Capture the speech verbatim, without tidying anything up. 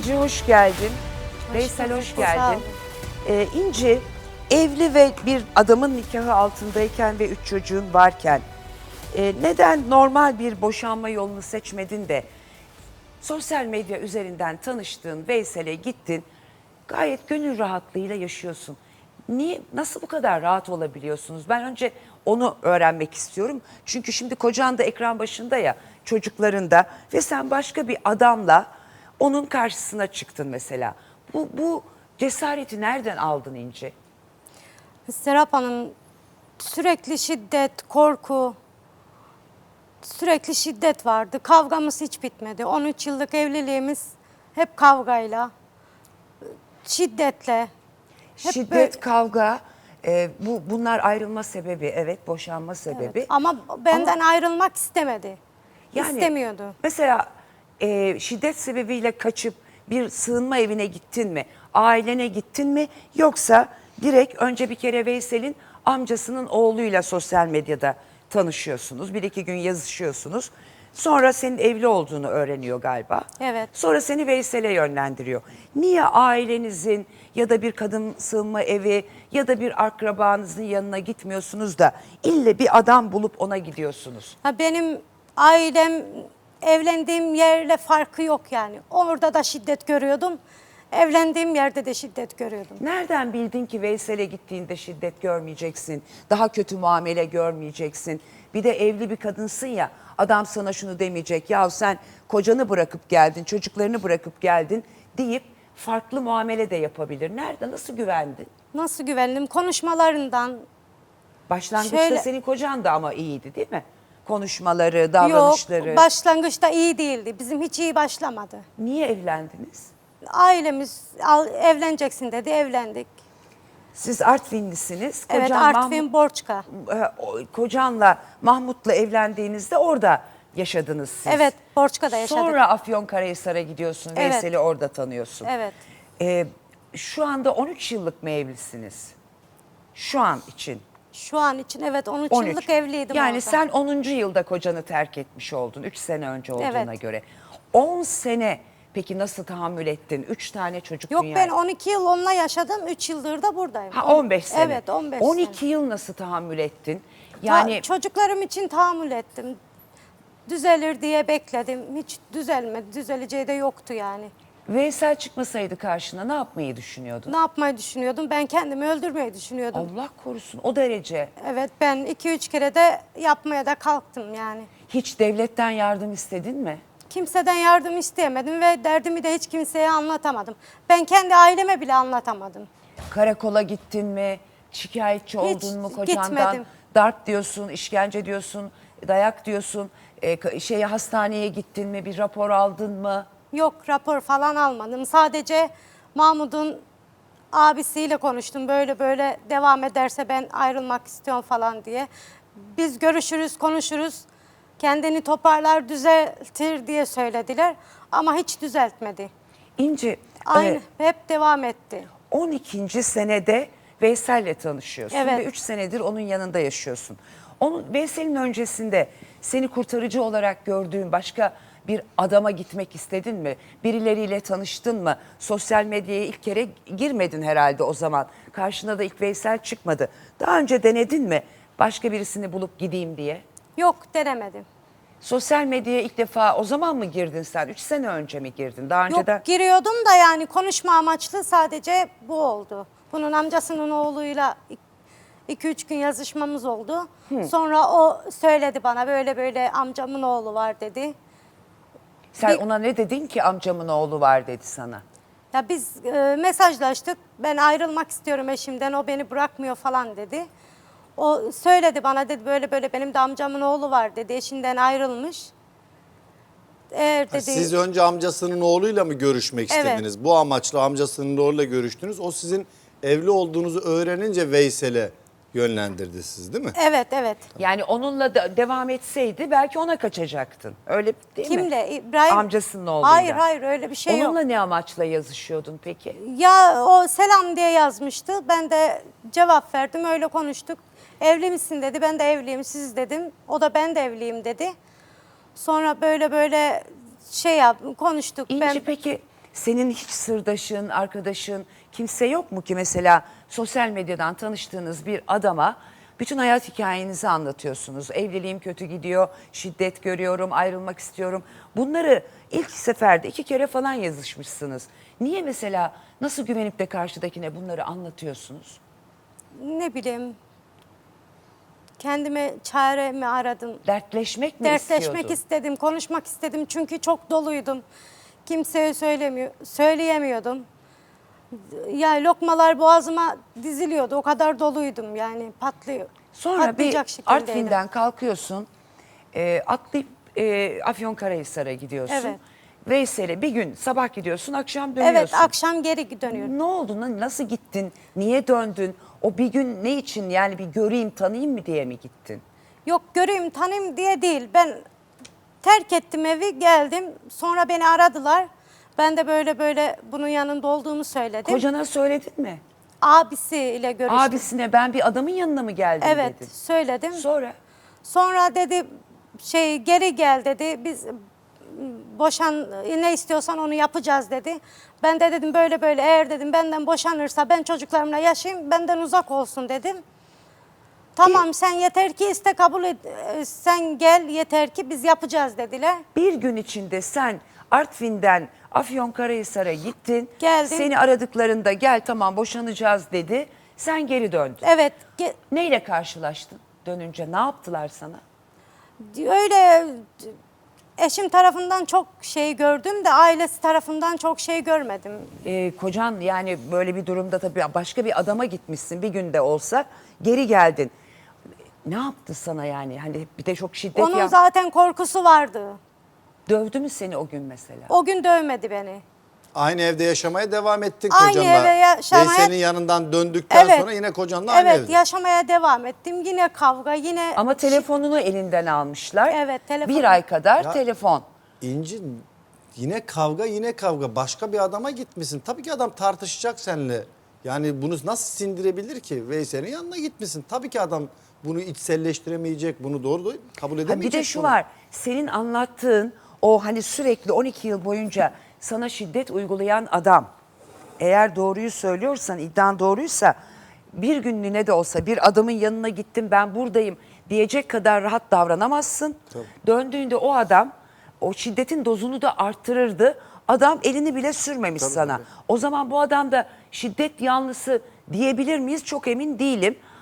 İnci hoş geldin. Hoş Veysel bulduk, hoş sağ geldin. olun. Ee, İnci evli ve bir adamın nikahı altındayken ve üç çocuğun varken e, neden normal bir boşanma yolunu seçmedin de sosyal medya üzerinden tanıştığın Veysel'e gittin, gayet gönül rahatlığıyla yaşıyorsun. Niye, nasıl bu kadar rahat olabiliyorsunuz? Ben önce onu öğrenmek istiyorum. Çünkü şimdi kocan da ekran başında ya, çocukların da ve sen başka bir adamla onun karşısına çıktın mesela. Bu, bu cesareti nereden aldın İnci? Serap Hanım, sürekli şiddet, korku, sürekli şiddet vardı. Kavgamız hiç bitmedi. on üç yıllık evliliğimiz hep kavgayla, şiddetle. Hep Şiddet, böyle- kavga, e, bu bunlar ayrılma sebebi, evet, boşanma sebebi. Evet, ama benden ayrılmak istemedi. Yani İstemiyordu. Mesela e, şiddet sebebiyle kaçıp bir sığınma evine gittin mi? Ailene gittin mi? Yoksa direkt önce bir kere Veysel'in amcasının oğluyla sosyal medyada tanışıyorsunuz. Bir iki gün yazışıyorsunuz. Sonra senin evli olduğunu öğreniyor galiba. Evet. Sonra seni Veysel'e yönlendiriyor. Niye ailenizin ya da bir kadın sığınma evi ya da bir akrabanızın yanına gitmiyorsunuz da ille bir adam bulup ona gidiyorsunuz? Ha, benim ailem evlendiğim yerle farkı yok yani. Orada da şiddet görüyordum. Evlendiğim yerde de şiddet görüyordum. Nereden bildin ki Veysel'e gittiğinde şiddet görmeyeceksin, daha kötü muamele görmeyeceksin? Bir de evli bir kadınsın ya, adam sana şunu demeyecek, ya sen kocanı bırakıp geldin, çocuklarını bırakıp geldin deyip farklı muamele de yapabilir. Nerede, nasıl güvendin? Nasıl güvendim? Konuşmalarından. Başlangıçta Şöyle- senin kocan da ama iyiydi değil mi? Konuşmaları, davranışları. Yok, başlangıçta iyi değildi. Bizim hiç iyi başlamadı. Niye evlendiniz? Ailemiz al, evleneceksin dedi, evlendik. Siz Artvinlisiniz. Evet, Kocan Artvin Mahmut- Borçka. e, o- kocanla Mahmut'la evlendiğinizde orada yaşadınız siz. Evet, Borçka'da yaşadık. Sonra Afyonkarahisar'a gidiyorsun. Evet. Veysel'i orada tanıyorsun. Evet. E, şu anda on üç yıllık mı evlisiniz? Şu an için. Şu an için evet on üç on üç. yıllık evliydim Yani orada. sen onuncu yılda kocanı terk etmiş oldun. üç sene önce olduğuna Evet. göre. on sene peki nasıl tahammül ettin? üç tane çocuk Yok, dünyaya. ben on iki yıl onunla yaşadım, üç yıldır da buradayım. Ha, on beş sene. Evet, on beş on sene. iki yıl nasıl tahammül ettin? Yani Yani çocuklarım için tahammül ettim. Düzelir diye bekledim. Hiç düzelmedi. Düzeleceği de yoktu yani. Veysel çıkmasaydı karşına ne yapmayı düşünüyordun? Ne yapmayı düşünüyordum? Ben kendimi öldürmeyi düşünüyordum. Allah korusun, o derece. Evet, ben iki üç kere de yapmaya da kalktım yani. Hiç devletten yardım istedin mi? Kimseden yardım isteyemedim ve derdimi de hiç kimseye anlatamadım. Ben kendi aileme bile anlatamadım. Karakola gittin mi? Şikayetçi oldun mu kocandan? gitmedim. Darp diyorsun, işkence diyorsun, dayak diyorsun. E, ka- şeye hastaneye gittin mi? Bir rapor aldın mı? Yok, rapor falan almadım. Sadece Mahmut'un abisiyle konuştum. Böyle böyle devam ederse ben ayrılmak istiyorum falan diye. Biz görüşürüz, konuşuruz. Kendini toparlar, düzeltir diye söylediler. Ama hiç düzeltmedi. İnci, Aynı, e, hep devam etti. on ikinci senede Veysel'le tanışıyorsun Evet. ve üç senedir onun yanında yaşıyorsun. Onun, Veysel'in öncesinde seni kurtarıcı olarak gördüğün başka bir adama gitmek istedin mi? Birileriyle tanıştın mı? Sosyal medyaya ilk kere girmedin herhalde o zaman. Karşına da ilk Veysel çıkmadı. Daha önce denedin mi başka birisini bulup gideyim diye? Yok, denemedim. Sosyal medyaya ilk defa o zaman mı girdin sen? Üç sene önce mi girdin? Daha Yok, önceden... giriyordum da yani konuşma amaçlı sadece bu oldu. Bunun amcasının oğluyla iki üç gün yazışmamız oldu. Sonra o söyledi bana, böyle böyle amcamın oğlu var dedi. Sen Bir- ona ne dedin ki amcamın oğlu var dedi sana? Ya biz e, mesajlaştık. Ben ayrılmak istiyorum eşimden. O beni bırakmıyor falan dedi. O söyledi bana, dedi böyle böyle benim de amcamın oğlu var dedi. Eşinden ayrılmış. Eğer Ha, dedi Siz önce amcasının oğluyla mı görüşmek Evet. istediniz? Bu amaçla amcasının oğluyla görüştünüz. O sizin evli olduğunuzu öğrenince Veysel'e yönlendirdi siz, değil mi? evet evet. Yani onunla da devam etseydi belki ona kaçacaktın. Öyle değil mi? Kimle? İbrahim. Amcasının oğluyla. Hayır hayır, öyle bir şey Onunla yok. ne amaçla yazışıyordun peki? Ya o selam diye yazmıştı. Ben de cevap verdim. Öyle konuştuk. Evli misin dedi. Ben de evliyim. Siz dedim. O da ben de evliyim dedi. Sonra böyle böyle şey yap konuştuk. İnci ben peki senin hiç sırdaşın, arkadaşın kimse yok mu ki mesela sosyal medyadan tanıştığınız bir adama bütün hayat hikayenizi anlatıyorsunuz. Evliliğim kötü gidiyor, şiddet görüyorum, ayrılmak istiyorum. Bunları ilk seferde iki kere falan yazışmışsınız. Niye mesela nasıl güvenip de karşıdakine bunları anlatıyorsunuz? Ne bileyim, kendime çaremi aradım. Dertleşmek mi Dertleşmek istiyordun? istedim, konuşmak istedim çünkü çok doluydum. Kimseye söylemiyor, söyleyemiyordum. Ya lokmalar boğazıma diziliyordu, o kadar doluydum yani patlıyor. Sonra bir patlayacak şekildeydim. Artvin'den kalkıyorsun, e, atlayıp e, Afyonkarahisar'a gidiyorsun. Evet. Veysel'e bir gün sabah gidiyorsun, akşam dönüyorsun. Evet, akşam geri dönüyorum. Ne oldu? Na- Nasıl gittin? Niye döndün? O bir gün ne için, yani bir göreyim tanıyayım mı diye mi gittin? Yok, göreyim tanıyayım diye değil. Ben terk ettim evi, geldim. Sonra beni aradılar. Ben de böyle böyle bunun yanında olduğumu söyledim. Kocana söyledin mi? Abisiyle görüştüm. Abisine ben bir adamın yanına mı geldim Evet, dedin. söyledim. Sonra? Sonra dedi şey geri gel dedi. Biz boşan ne istiyorsan onu yapacağız dedi. Ben de dedim böyle böyle, eğer dedim benden boşanırsa ben çocuklarımla yaşayayım, benden uzak olsun dedim. Tamam sen yeter ki iste, kabul et, e, sen gel yeter ki biz yapacağız dediler. Bir gün içinde sen Artvin'den Afyonkarahisar'a gittin. Geldim. Seni aradıklarında gel tamam boşanacağız dedi. Sen geri döndün. Evet, ge- Neyle karşılaştın dönünce? Ne yaptılar sana? öyle eşim tarafından çok şey gördüm de ailesi tarafından çok şey görmedim. Ee, kocan yani böyle bir durumda tabii başka bir adama gitmişsin bir günde olsa geri geldin. Ne yaptı sana yani? Hani bir de çok şiddet Onun ya. zaten korkusu vardı. Dövdü mü seni o gün mesela? O gün dövmedi beni. Aynı evde yaşamaya devam ettin Aynı kocanla. evde yaşamaya- Veysel'in yanından döndükten Evet. sonra yine kocanla aynı Evet, evde. yaşamaya devam ettim. Yine kavga, yine Ama telefonunu elinden almışlar. Evet, telefon. Bir ay kadar Ya- telefon. İnci, yine kavga yine kavga. Başka bir adama gitmişsin. Tabii ki adam tartışacak seninle. Yani bunu nasıl sindirebilir ki? Veysel'in yanına gitmişsin. Tabii ki adam bunu içselleştiremeyecek. Bunu doğru doğru kabul Ha edemeyecek. bir de şu bunu. var. Senin anlattığın o hani sürekli on iki yıl boyunca sana şiddet uygulayan adam, eğer doğruyu söylüyorsan, iddian doğruysa bir günlüğüne de olsa bir adamın yanına gittim ben buradayım diyecek kadar rahat davranamazsın. Döndüğünde o adam o şiddetin dozunu da arttırırdı. Adam elini bile sürmemiş sana. O zaman bu adam da şiddet yanlısı diyebilir miyiz? Çok emin değilim.